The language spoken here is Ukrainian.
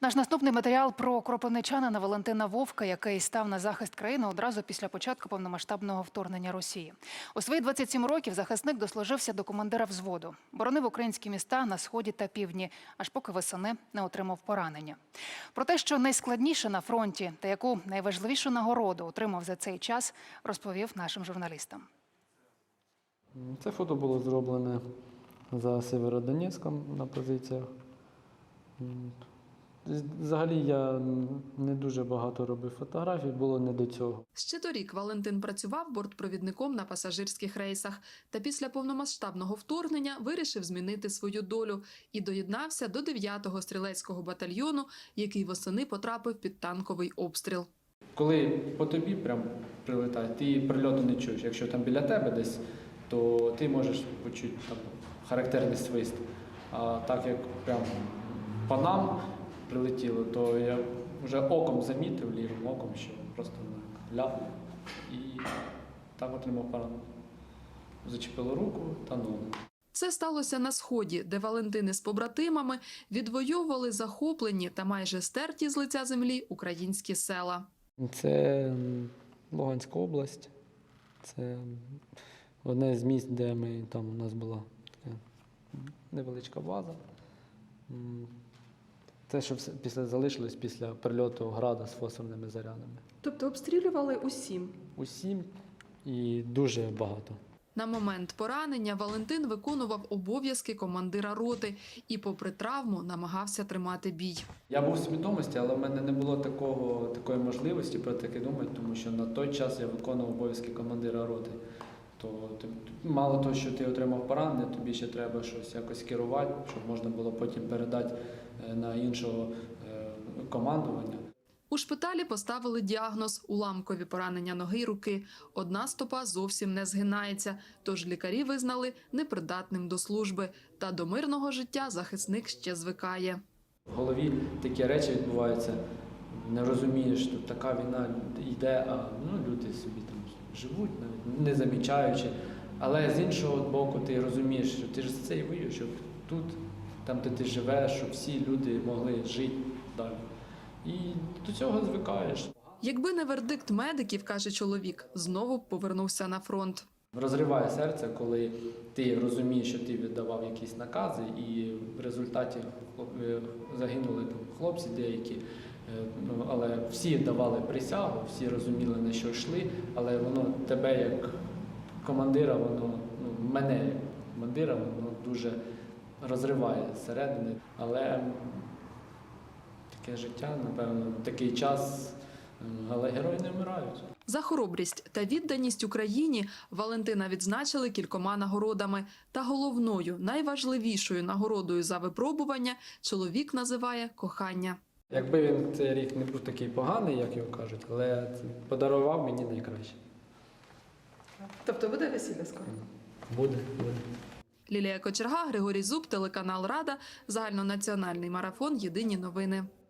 Наш наступний матеріал про кропивничанина Валентина Вовка, який став на захист країни одразу після початку повномасштабного вторгнення Росії. У свої 27 років захисник дослужився до командира взводу. Боронив українські міста на сході та півдні, аж поки восени не отримав поранення. Про те, що найскладніше на фронті та яку найважливішу нагороду отримав за цей час, розповів нашим журналістам. Це фото було зроблене за Сєвєродонецьком на позиціях. Взагалі я не дуже багато робив фотографій, було не до цього. Ще торік Валентин працював бортпровідником на пасажирських рейсах. Та після повномасштабного вторгнення вирішив змінити свою долю і доєднався до 9-го стрілецького батальйону, який восени потрапив під танковий обстріл. Коли по тобі прям прилетає, ти прильоту не чуєш. Якщо там біля тебе десь, то ти можеш почути там характерний свист. А так як прям по нам прилетіло, то я вже оком замітив, лівим оком, що просто ляпнув і так отримав поранення. Зачепило руку та ногу. Це сталося на Сході, де Валентини з побратимами відвоювали захоплені та майже стерті з лиця землі українські села. Це Луганська область. Це одне з місць, де у нас була така невеличка база. Це, що залишилось після прильоту града з фосфорними зарядами. Тобто обстрілювали усім? Усім і дуже багато. На момент поранення Валентин виконував обов'язки командира роти і, попри травму, намагався тримати бій. Я був в свідомості, але в мене не було такої можливості про таке думати, тому що на той час я виконував обов'язки командира роти. То мало того, що ти отримав поранення, тобі ще треба щось якось керувати, щоб можна було потім передати на іншого командування. У шпиталі поставили діагноз – уламкові поранення ноги й руки. Одна стопа зовсім не згинається, тож лікарі визнали непридатним до служби. Та до мирного життя захисник ще звикає. В голові такі речі відбуваються, не розумієш, що така війна йде, а люди собі там живуть, навіть не замічаючи. Але з іншого боку ти розумієш, що ти ж за це і воюєш, щоб тут, там де ти живеш, щоб всі люди могли жити далі. І до цього звикаєш. Якби не вердикт медиків, каже чоловік, знову б повернувся на фронт. Розриває серце, коли ти розумієш, що ти віддавав якісь накази, і в результаті загинули там хлопці деякі, але всі давали присягу, всі розуміли, на що йшли, але воно тебе як командира, мене як командира, воно дуже розриває зсередини. Але таке життя, напевно, такий час, але герої не вмирають. За хоробрість та відданість Україні Валентина відзначили кількома нагородами. Та головною, найважливішою нагородою за випробування чоловік називає кохання. Якби він цей рік не був такий поганий, як його кажуть, але подарував мені найкраще. Тобто буде весілля скоро? Буде. Лілія Кочерга, Григорій Зуб, телеканал Рада, загальнонаціональний марафон «Єдині новини».